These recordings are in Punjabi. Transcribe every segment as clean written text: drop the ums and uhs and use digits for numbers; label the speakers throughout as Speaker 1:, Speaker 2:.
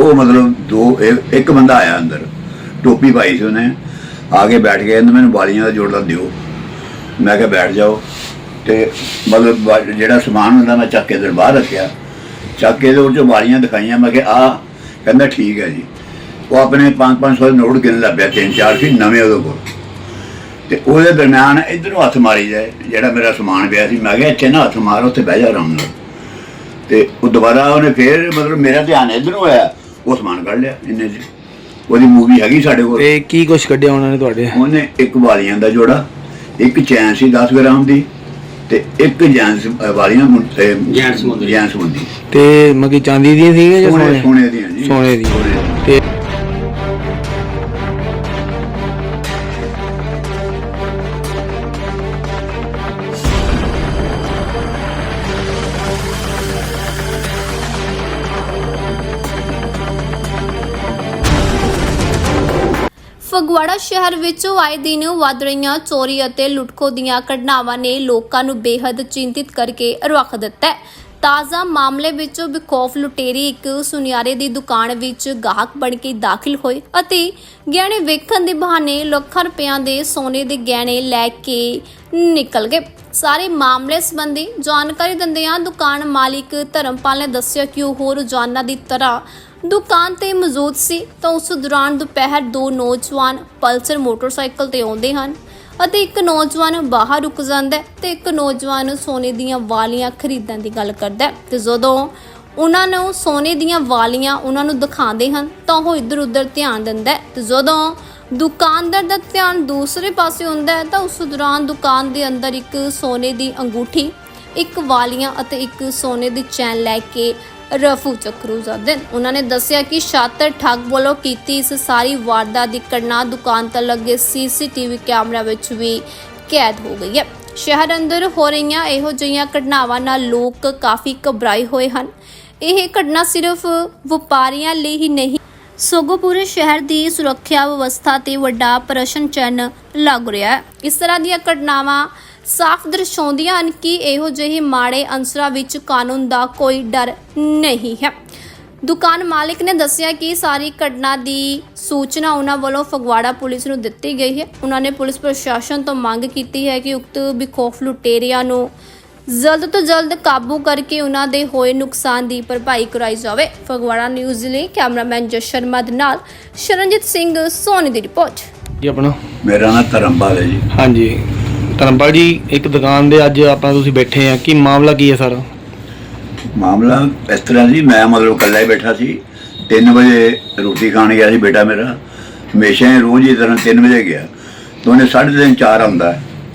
Speaker 1: वो मतलब एक बंदा आया अंदर, टोपी पाई सी उन्हें, आके बैठ गया, मैंने बालियां का जोड़ा दिओ। मैं क्या बैठ जाओ, तो मतलब जो समान होंदा मैं चक के इधर बाहर रखा, चक के उस बालियां दिखाइया। मैं क्या आ, कहता ठीक है जी। वो अपने 500 नोट गिन लग पिया, 3-4 सी नवे वो को। तो दरम्यान इधरों हथ मारी जाए, जो मेरा समान पिया सी, मैं क्या इत्थे ना हथ मार, उत्थे बह जा आराम नाल। तो दोबारा उन्हें फिर मतलब मेरा ध्यान इधरों आया, वो समान कढ़ लिया इन्ने च। ਉਹਦੀ मूवी हैगी साढ़े कोल।
Speaker 2: ਤੇ ਕੀ ਕੁਛ ਕੱਢਿਆ ਉਹਨਾਂ ਨੇ ਤੁਹਾਡੇ?
Speaker 1: ਉਹਨੇ ਇੱਕ ਵਾਲੀਆਂ ਦਾ ਜੋੜਾ, ਇੱਕ ਚੈਨ ਸੀ 10 ਗ੍ਰਾਮ ਦੀ, ਤੇ ਇੱਕ ਜੈਂਸ ਵਾਲੀਆਂ ਜੈਂਸ ਮੁੰਦੀ।
Speaker 2: ਤੇ ਮਗੀ ਚਾਂਦੀ ਦੀਆਂ ਸੀਗੇ ਜਾਂ
Speaker 1: ਸੋਨੇ ਦੀਆਂ ਜੀ?
Speaker 2: ਸੋਨੇ ਦੀਆਂ। ਤੇ
Speaker 3: ਫਗਵਾੜਾ ਸ਼ਹਿਰ ਵਿੱਚ ਆਏ ਦਿਨ ਵੱਧ ਰਹੀਆਂ ਚੋਰੀ ਅਤੇ ਲੁੱਟਖੋ ਦੀਆਂ ਘਟਨਾਵਾਂ ਨੇ ਲੋਕਾਂ ਨੂੰ ਬੇहद ਚਿੰਤਿਤ ਕਰਕੇ ਰੱਖ ਦਿੱਤਾ ਹੈ। ਤਾਜ਼ਾ ਮਾਮਲੇ ਵਿੱਚ ਬੇਖੌਫ ਲੁਟੇਰੇ ਇੱਕ ਸੁਨਿਆਰੇ ਦੀ ਦੁਕਾਨ ਵਿੱਚ ਗਾਹਕ ਬਣ ਕੇ ਦਾਖਲ ਹੋਏ ਅਤੇ ਗਹਿਣੇ ਵੇਖਣ ਦੇ ਬਹਾਨੇ ਲੱਖਾਂ ਰੁਪਇਆਂ ਦੇ ਸੋਨੇ ਦੇ ਗਹਿਣੇ ਲੈ ਕੇ ਨਿਕਲ ਗਏ। ਸਾਰੇ ਮਾਮਲੇ ਸੰਬੰਧੀ ਜਾਣਕਾਰੀ ਦਿੰਦਿਆਂ ਦੁਕਾਨ ਮਾਲਿਕ ਧਰਮਪਾਲ ਨੇ ਦੱਸਿਆ ਕਿ ਉਹ ਰੋਜ਼ਾਨਾ ਦੀ ਤਰ੍ਹਾਂ ਦੁਕਾਨ ਤੇ ਮੌਜੂਦ ਸੀ ਤਾਂ ਉਸ ਦੌਰਾਨ ਦੁਪਹਿਰ ਦੋ ਨੌਜਵਾਨ ਪਲਸਰ ਮੋਟਰਸਾਈਕਲ ਤੇ ਆਉਂਦੇ ਹਨ ਅਤੇ ਇੱਕ ਨੌਜਵਾਨ ਬਾਹਰ ਰੁਕ ਜਾਂਦਾ ਤੇ ਇੱਕ ਨੌਜਵਾਨ ਸੋਨੇ ਦੀਆਂ ਵਾਲੀਆਂ ਖਰੀਦਣ ਦੀ ਗੱਲ ਕਰਦਾ ਤੇ ਜਦੋਂ ਉਹਨਾਂ ਨੂੰ ਸੋਨੇ ਦੀਆਂ ਵਾਲੀਆਂ ਉਹਨਾਂ ਨੂੰ ਦਿਖਾਉਂਦੇ ਹਨ ਤਾਂ ਉਹ ਇੱਧਰ ਉੱਧਰ ਧਿਆਨ ਦਿੰਦਾ ਤੇ ਜਦੋਂ ਦੁਕਾਨਦਾਰ ਦਾ ਧਿਆਨ ਦੂਸਰੇ ਪਾਸੇ ਹੁੰਦਾ ਤਾਂ ਉਸ ਦੌਰਾਨ ਦੁਕਾਨ ਦੇ ਅੰਦਰ ਇੱਕ ਸੋਨੇ ਦੀ ਅੰਗੂਠੀ, ਇੱਕ ਵਾਲੀਆਂ ਅਤੇ ਇੱਕ ਸੋਨੇ ਦੀ ਚੈਨ ਲੈ ਕੇ ਰਫੂ ਚੱਕਰੂ ਜਾਂਦੇ। ਉਹਨਾਂ ਨੇ ਦੱਸਿਆ ਕਿ ਸ਼ਾਤਰ ਠੱਗ ਵੱਲੋਂ ਕੀਤੀ ਇਸ ਸਾਰੀ ਵਾਰਦਾਤ ਦੀ ਘਟਨਾ ਦੁਕਾਨ ਤੇ ਲੱਗੇ ਸੀਸੀਟੀਵੀ ਕੈਮਰਾ ਵਿੱਚ ਵੀ ਕੈਦ ਹੋ ਗਈ ਹੈ। ਸ਼ਹਿਰ ਅੰਦਰ ਹੋ ਰਹੀਆਂ ਇਹੋ ਜਿਹੀਆਂ ਘਟਨਾਵਾਂ ਨਾਲ ਲੋਕ ਕਾਫੀ ਘਬਰਾਏ ਹੋਏ ਹਨ। ਇਹ ਘਟਨਾ ਸਿਰਫ ਵਪਾਰੀਆਂ ਲਈ ਹੀ ਨਹੀਂ ਸਗੋਂ ਪੂਰੇ ਸ਼ਹਿਰ ਦੀ ਸੁਰੱਖਿਆ ਵਿਵਸਥਾ ਤੇ ਵੱਡਾ ਪ੍ਰਸ਼ਨ ਚਿੰਨ੍ਹ ਲੱਗ ਰਿਹਾ ਹੈ। ਇਸ ਤਰ੍ਹਾਂ ਦੀਆਂ ਘਟਨਾਵਾਂ ਸਾਫ਼ ਦਰਸਾਉਂਦੀਆਂ ਹਨ ਕਿ ਇਹੋ ਜਿਹੇ ਮਾੜੇ ਅਨਸਰਾਂ ਵਿੱਚ ਕਾਨੂੰਨ ਦਾ ਕੋਈ ਡਰ ਨਹੀਂ ਹੈ। ਦੁਕਾਨ ਮਾਲਿਕ ਨੇ ਦੱਸਿਆ ਕਿ ਸਾਰੀ ਘਟਨਾ ਦੀ ਸੂਚਨਾ ਉਹਨਾਂ ਵੱਲੋਂ ਫਗਵਾੜਾ ਪੁਲਿਸ ਨੂੰ ਦਿੱਤੀ ਗਈ ਹੈ। ਉਹਨਾਂ ਨੇ ਪੁਲਿਸ ਪ੍ਰਸ਼ਾਸਨ ਤੋਂ ਮੰਗ ਕੀਤੀ ਹੈ ਕਿ ਉਕਤ ਬੇਖੌਫ ਲੁਟੇਰਿਆਂ ਨੂੰ ਜਲਦ ਤੋਂ ਜਲਦ ਕਾਬੂ ਕਰਕੇ ਉਹਨਾਂ ਦੇ ਹੋਏ ਨੁਕਸਾਨ ਦੀ ਭਰਪਾਈ ਕਰਾਈ ਜਾਵੇ। ਫਗਵਾੜਾ ਨਿਊਜ਼ ਲਈ ਕੈਮਰਾਮੈਨ ਜਸ ਸ਼ਰਮਾ ਦੇ ਨਾਲ ਸ਼ਰਨਜੀਤ ਸਿੰਘ ਸੋਨੀ ਦੀ ਰਿਪੋਰਟ।
Speaker 2: ਜੀ ਆਪਣਾ?
Speaker 1: ਮੇਰਾ ਨਾਮ ਧਰਮਪਾਲ ਹੈ ਜੀ।
Speaker 2: ਹਾਂਜੀ ਧਰਮਪਾਲ ਜੀ, ਇੱਕ ਦੁਕਾਨ ਦੇ ਅੱਜ ਆਪਾਂ ਤੁਸੀਂ ਬੈਠੇ ਆ, ਕੀ ਮਾਮਲਾ ਕੀ ਹੈ ਸਰ?
Speaker 1: ਮਾਮਲਾ ਇਸ ਤਰ੍ਹਾਂ ਜੀ, ਮੈਂ ਮਤਲਬ ਇਕੱਲਾ ਹੀ ਬੈਠਾ ਸੀ। 3 ਵਜੇ ਰੋਟੀ ਖਾਣ ਗਿਆ ਸੀ ਬੇਟਾ ਮੇਰਾ, ਹਮੇਸ਼ਾ ਹੀ ਰੋਜ਼ ਹੀ ਤਰ੍ਹਾਂ 3 ਵਜੇ ਗਿਆ ਤਾਂ ਉਹਨੇ 3:30 4 ਆਉਂਦਾ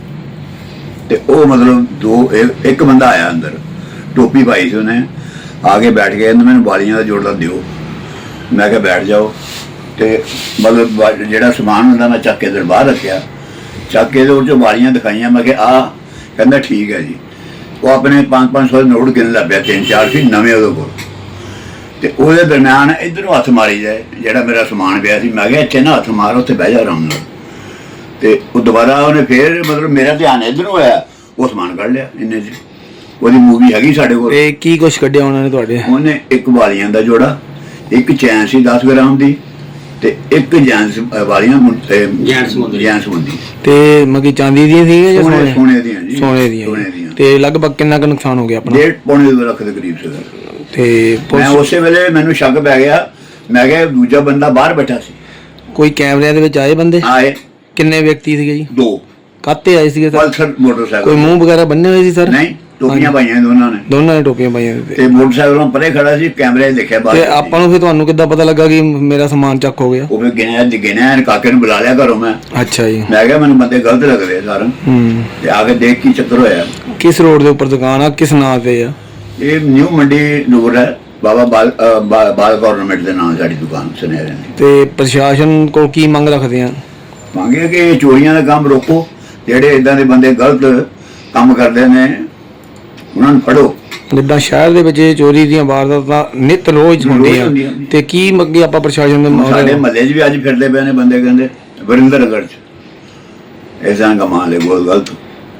Speaker 1: ਤੇ ਉਹ ਮਤਲਬ ਇੱਕ ਬੰਦਾ ਆਇਆ ਅੰਦਰ, ਟੋਪੀ ਪਾਈ ਸੀ ਉਹਨੇ, ਆਕੇ ਬੈਠ ਗਿਆ, ਮੈਨੂੰ ਬਾਲੀਆਂ ਦਾ ਜੋੜਾ ਦਿਓ। ਮੈਂ ਕਿਹਾ ਬੈਠ ਜਾਓ, ਤੇ ਮਤਲਬ ਜਿਹੜਾ ਸਮਾਨ ਹੁੰਦਾ ਮੈਂ ਚੱਕ ਕੇ ਇਧਰ ਬਾਹਰ ਰੱਖਿਆ, ਚੱਕ ਕੇ ਉਹ 'ਚੋਂ ਬਾਲੀਆਂ ਦਿਖਾਈਆਂ। ਮੈਂ ਕਿਹਾ ਆ, ਕਹਿੰਦਾ ਠੀਕ ਹੈ ਜੀ। ਉਹ ਆਪਣੇ 500 ਨੋਟ ਗਿਣ ਲੱਗ ਪਿਆ, 3-4 ਸੀ ਨਵੇਂ ਉਹਦੇ ਕੋਲ। ਤੇ ਉਹਦੇ ਦਰਮਿਆਨ ਇਧਰੋਂ ਹੱਥ ਮਾਰੀ ਜਾਏ, ਜਿਹੜਾ ਮੇਰਾ ਸਮਾਨ ਪਿਆ ਸੀ। ਮੈਂ ਕਿਹਾ ਇੱਥੇ ਨਾ ਹੱਥ ਮਾਰ, ਉੱਥੇ ਬਹਿ ਜਾ ਆਰਾਮ ਨਾਲ। ਤੇ ਉਹ ਦੁਬਾਰਾ ਉਹਨੇ ਫਿਰ ਮਤਲਬ ਮੇਰਾ ਧਿਆਨ ਇਧਰੋਂ ਆਇਆ, ਉਹ ਸਮਾਨ ਕੱਢ ਲਿਆ ਇੰਨੇ 'ਚ। ਉਹਦੀ मूवी हैगी साढ़े कोल।
Speaker 2: ਤੇ ਕੀ ਕੁਛ ਕੱਢਿਆ ਉਹਨਾਂ ਨੇ ਤੁਹਾਡੇ?
Speaker 1: ਉਹਨੇ ਇੱਕ ਵਾਲੀਆਂ ਦਾ ਜੋੜਾ, ਇੱਕ ਚੈਨ ਸੀ 10 ਗ੍ਰਾਮ ਦੀ, ਤੇ ਇੱਕ ਜੈਂਸ ਵਾਲੀਆਂ ਜੈਂਸ ਮੁੰਦੀ।
Speaker 2: ਤੇ ਮਗੀ ਚਾਂਦੀ ਦੀਆਂ ਸੀਗੇ ਜਾਂ
Speaker 1: ਸੋਨੇ ਦੀਆਂ ਜੀ?
Speaker 2: ਸੋਨੇ ਦੀਆਂ। ਤੇ ਲਗਭਗ ਕਿੰਨਾ ਕੁ ਨੁਕਸਾਨ ਹੋ ਗਿਆ ਆਪਣਾ?
Speaker 1: 1.5 ਲੱਖ ਦੇ ਕਰੀਬ ਸੀਗਾ।
Speaker 2: ਤੇ
Speaker 1: ਮੈਂ ਉਸੇ ਵੇਲੇ ਮੈਨੂੰ ਸ਼ੱਕ ਪੈ ਗਿਆ, ਮੈਂ ਕਿਹਾ ਦੂਜਾ ਬੰਦਾ ਬਾਹਰ ਬੈਠਾ ਸੀ।
Speaker 2: ਕੋਈ ਕੈਮਰਿਆਂ ਦੇ ਵਿੱਚ ਆਏ ਬੰਦੇ?
Speaker 1: ਆਏ।
Speaker 2: ਕਿੰਨੇ ਵਿਅਕਤੀ ਸੀਗੇ ਜੀ? 2। ਕਾਤੇ ਆਏ ਸੀਗੇ?
Speaker 1: Pulsar motorcycle.
Speaker 2: ਕੋਈ ਮੂੰਹ ਵਗੈਰਾ ਬੰਨੇ ਹੋਏ ਸੀ ਸਰ?
Speaker 1: ਨਹੀਂ, ਟੋਪੀਆਂ ਪਾਈਆਂ ਦੋਨਾਂ ਨੇ
Speaker 2: ਟੋਪੀਆਂ ਪਾਈਆਂ
Speaker 1: ਤੇ ਮੋਟਰਸਾਈਕਲੋਂ ਪਰੇ ਖੜਾ ਸੀ, ਕੈਮਰੇ ਦੇਖਿਆ ਬਾਹਰ।
Speaker 2: ਤੇ ਆਪਾਂ ਨੂੰ ਫਿਰ ਤੁਹਾਨੂੰ ਕਿੱਦਾਂ ਪਤਾ ਲੱਗਾ ਕਿ ਮੇਰਾ ਸਮਾਨ ਚੱਕ ਹੋ ਗਿਆ?
Speaker 1: ਉਹ ਫਿਰ ਗਿਣਿਆ ਕਾਕੇ ਨੂੰ ਬੁਲਾ ਲਿਆ ਘਰੋਂ ਮੈਂ।
Speaker 2: ਅੱਛਾ ਜੀ।
Speaker 1: ਮੈਂ ਕਿਹਾ ਮੈਨੂੰ ਬੰਦੇ ਗਲਤ ਲੱਗ ਰਹੇ ਸਾਰ। ਤੇ ਆ ਕੇ ਦੇਖ ਕੀ ਚੱਕਰ ਹੋਇਆ।
Speaker 2: ਕਿਸ ਰੋਡ ਦੇ ਉੱਪਰ ਦੁਕਾਨ ਆ, ਕਿਸ ਨਾਂ ਤੇ ਆ?
Speaker 1: ਇਹ ਨਿਊ ਮੰਡੀ ਨੂਰ ਹੈ, ਬਾਬਾ ਬਾਲ ਗਵਰਨਮੈਂਟ ਦੇ ਨਾਂ ਸਾਡੀ ਦੁਕਾਨ ਸੁਨਿਆਰੇ ਦੀ।
Speaker 2: ਤੇ ਪ੍ਰਸ਼ਾਸਨ ਕੋਲ ਕੀ ਮੰਗ ਰੱਖਦੇ ਆ?
Speaker 1: ਮੰਗੇ ਕਿ ਚੋਰੀਆਂ ਦਾ ਕੰਮ ਰੋਕੋ, ਜਿਹੜੇ ਇਦਾਂ ਦੇ ਬੰਦੇ ਗਲਤ ਕੰਮ ਕਰਦੇ ਨੇ ਉਹਨਾਂ ਨੂੰ ਫੜੋ।
Speaker 2: ਜਿੱਦਾਂ ਸ਼ਹਿਰ ਦੇ ਵਿੱਚ ਚੋਰੀ ਦੀਆਂ ਵਾਰਦਾਤਾਂ ਨਿਤ ਰੋਜ਼ ਹੁੰਦੀਆਂ, ਤੇ ਕੀ ਮੰਗੇ ਆਪਾਂ ਪ੍ਰਸ਼ਾਸਨ ਦੇ?
Speaker 1: ਸਾਡੇ ਮਹੱਲੇ 'ਚ ਵੀ ਅੱਜ ਫਿਰਦੇ ਪਏ ਨੇ ਬੰਦੇ, ਕਹਿੰਦੇ ਵਰਿੰਦਰਗੜ੍ਹ 'ਚ ਐਸਾ ਕਮਾਲ ਹੈ ਬਹੁਤ ਗਲਤ।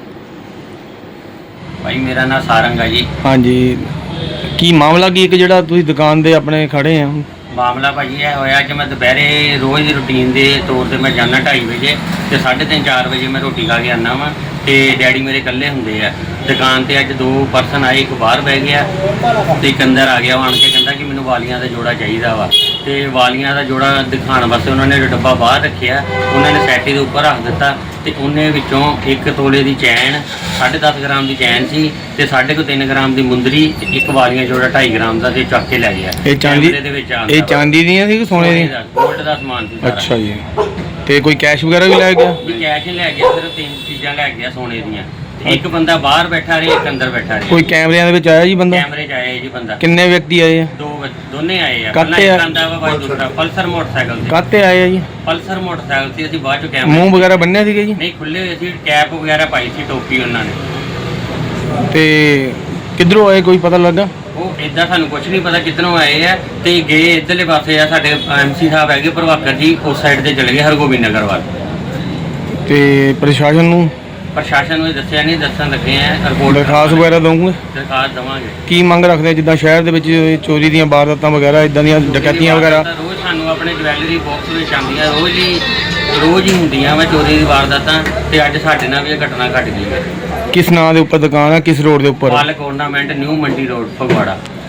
Speaker 4: ਭਾਈ ਮੇਰਾ ਨਾਮ ਸਾਰੰਗ ਹੈ ਜੀ।
Speaker 2: ਹਾਂਜੀ, ਕੀ ਮਾਮਲਾ ਕੀ ਇੱਕ ਜਿਹੜਾ ਤੁਸੀਂ ਦੁਕਾਨ ਦੇ ਆਪਣੇ ਖੜੇ ਆ?
Speaker 4: ਮਾਮਲਾ ਭਾਜੀ ਇਹ ਹੋਇਆ ਕਿ ਮੈਂ ਦੁਪਹਿਰੇ ਰੋਜ਼ ਦੀ ਰੁਟੀਨ ਦੇ ਤੌਰ ਤੇ ਮੈਂ ਜਾਂਦਾ 2:30 ਵਜੇ ਤੇ 3:30 4 ਵਜੇ ਮੈਂ ਰੋਟੀ ਖਾ ਕੇ ਆਉਂਦਾ ਵਾਂ ਤੇ ਡੈਡੀ ਮੇਰੇ ਇਕੱਲੇ ਹੁੰਦੇ ਆ ਦੁਕਾਨ ਤੇ। ਅੱਜ 2 ਪਰਸਨ ਆਏ, ਇੱਕ ਬਾਹਰ ਬਹਿ ਗਿਆ ਤੇ ਇੱਕ ਅੰਦਰ ਆ ਗਿਆ। ਉਹ ਆਣ ਕੇ ਕਹਿੰਦਾ ਕਿ ਮੈਨੂੰ ਵਾਲੀਆਂ ਦਾ ਜੋੜਾ ਚਾਹੀਦਾ ਵਾ ਤੇ ਵਾਲੀਆਂ ਦਾ ਜੋੜਾ ਦਿਖਾਉਣ ਵਾਸਤੇ ਉਹਨਾਂ ਨੇ ਡੱਬਾ ਬਾਹਰ ਰੱਖਿਆ, ਉਹਨਾਂ ਨੇ ਸੈਟੀ ਦੇ ਉੱਪਰ ਰੱਖ ਦਿੱਤਾ ਤੇ ਉਹਨੇ ਵਿੱਚੋਂ 1 ਤੋਲੇ ਦੀ ਚੈਨ, 10.5 ਗ੍ਰਾਮ ਦੀ ਚੈਨ ਸੀ ਤੇ 3.5 ਗ੍ਰਾਮ ਦੀ ਮੁੰਦਰੀ ਤੇ ਇੱਕ ਵਾਲੀਆਂ ਜੋੜਾ 2.5 ਗ੍ਰਾਮ ਦਾ ਤੇ ਚੱਕ ਕੇ ਲੈ ਗਿਆ।
Speaker 2: ਇਹ ਚਾਂਦੀ
Speaker 4: ਕੈਮਰੇ ਦੇ ਵਿੱਚ ਆਉਂਦਾ
Speaker 2: ਇਹ ਚਾਂਦੀ ਦੀਆਂ ਸੀ ਕਿ ਸੋਨੇ ਦੀਆਂ?
Speaker 4: ਗੋਲਡ ਦਾ ਸਮਾਨ ਸੀ ਸਾਰਾ।
Speaker 2: ਅੱਛਾ ਜੀ। ਤੇ ਕੋਈ ਕੈਸ਼ ਵਗੈਰਾ ਵੀ ਲੈ ਗਿਆ?
Speaker 4: ਵੀ ਕੈਸ਼ ਹੀ ਲੈ ਗਿਆ, ਸਿਰਫ 3 ਚੀਜ਼ਾਂ ਲੈ ਗਿਆ ਸੋਨੇ ਦੀਆਂ। ਤੇ ਇੱਕ ਬੰਦਾ ਬਾਹਰ ਬੈਠਾ ਰਿਹਾ, ਇੱਕ ਅੰਦਰ ਬੈਠਾ ਰਿਹਾ।
Speaker 2: ਕੋਈ ਕੈਮਰਿਆਂ ਦੇ ਵਿੱਚ ਆਇਆ ਜੀ ਬੰਦਾ?
Speaker 4: ਕੈਮਰੇ 'ਚ ਆਇਆ ਜੀ ਬੰਦਾ।
Speaker 2: ਕਿੰਨੇ ਵਿਅਕਤੀ ਆਏ ਆ?
Speaker 4: ਦੋਨੇ ਆਏ ਆ।
Speaker 2: ਕਾਹਤੇ
Speaker 4: ਪਹਿਲਾਂ
Speaker 2: ਆ?
Speaker 4: ਇੱਕ ਆਂਦਾ ਵਾ ਬਾਈ ਦੂਸਰਾ ਪਲਸਰ ਮੋਟਰਸਾਈਕਲ ਤੇ।
Speaker 2: ਕਾਹਤੇ ਆਏ ਆ ਜੀ?
Speaker 4: ਪਲਸਰ ਮੋਟਰਸਾਈਕਲ ਸੀ। ਅਸੀਂ ਬਾਅਦ ਚ ਕੈਮਰੇ
Speaker 2: ਮੂੰਹ ਵਗੈਰਾ ਬੰਨਿਆ ਸੀਗਾ ਜੀ?
Speaker 4: ਨਹੀਂ, ਖੁੱਲੇ ਹੋਏ ਸੀ, ਕੈਪ ਵਗੈਰਾ ਪਾਈ ਸੀ, ਟੋਪੀ ਉਹਨਾਂ ਨੇ।
Speaker 2: ਤੇ ਕਿੱਧਰੋਂ ਆਏ ਕੋਈ ਪਤਾ ਲੱਗਾ?
Speaker 4: ਉਹ ਇਦਾਂ ਸਾਨੂੰ ਕੁਝ ਨਹੀਂ ਪਤਾ ਕਿੱਧਰੋਂ ਆਏ ਆ ਤੇ ਗਏ ਇੱਧਰਲੇ ਪਾਸੇ ਆ। ਸਾਡੇ ਐਮਸੀ ਸਾਹਿਬ ਹੈਗੇ ਪ੍ਰਭਾਕਰ ਜੀ, ਉਸ ਸਾਈਡ ਤੇ ਚਲੇ ਗਏ ਹਰਗੋਬਿੰਦ ਨਗਰ ਵੱਲ।
Speaker 2: ਤੇ ਪ੍ਰਸ਼ਾਸਨ ਨੂੰ
Speaker 4: ਪ੍ਰਸ਼ਾਸਨ ਨੂੰ ਇਹ ਦੱਸਿਆ ਨਹੀਂ, ਦੱਸਣ ਲੱਗੇ ਆ। ਰਿਪੋਰਟ
Speaker 2: ਦਰਖਾਸਤ ਵਗੈਰਾ ਦਊਂਗੇ?
Speaker 4: ਦਰਖਾਸਤ ਦੇਵਾਂਗੇ।
Speaker 2: ਕੀ ਮੰਗ ਰੱਖਦੇ ਆ ਜਿੱਦਾਂ ਸ਼ਹਿਰ ਦੇ ਵਿੱਚ ਚੋਰੀ ਦੀਆਂ ਵਾਰਦਾਤਾਂ ਵਗੈਰਾ, ਇਦਾਂ ਦੀਆਂ ਡਕੈਤੀਆਂ ਵਗੈਰਾ?
Speaker 4: ਰੋਜ਼ ਸਾਨੂੰ ਆਪਣੇ ਜਵੈਲਰੀ ਬਾਕਸ ਵਿੱਚ ਆਉਂਦੀਆਂ, ਰੋਜ਼ ਹੀ ਹੁੰਦੀਆਂ ਵਾ ਚੋਰੀ ਦੀ ਵਾਰਦਾਤਾਂ ਤੇ ਅੱਜ ਸਾਡੇ ਨਾਲ ਵੀ ਇਹ ਘਟਨਾ ਘਟ ਗਈ ਹੈ।
Speaker 2: ਕਿਸ ਨਾਂ ਦੇ ਉੱਪਰ ਦੁਕਾਨ ਆ, ਕਿਸ ਰੋਡ ਦੇ ਉੱਪਰ?
Speaker 4: Palak ornament new Mandi road Phagwara.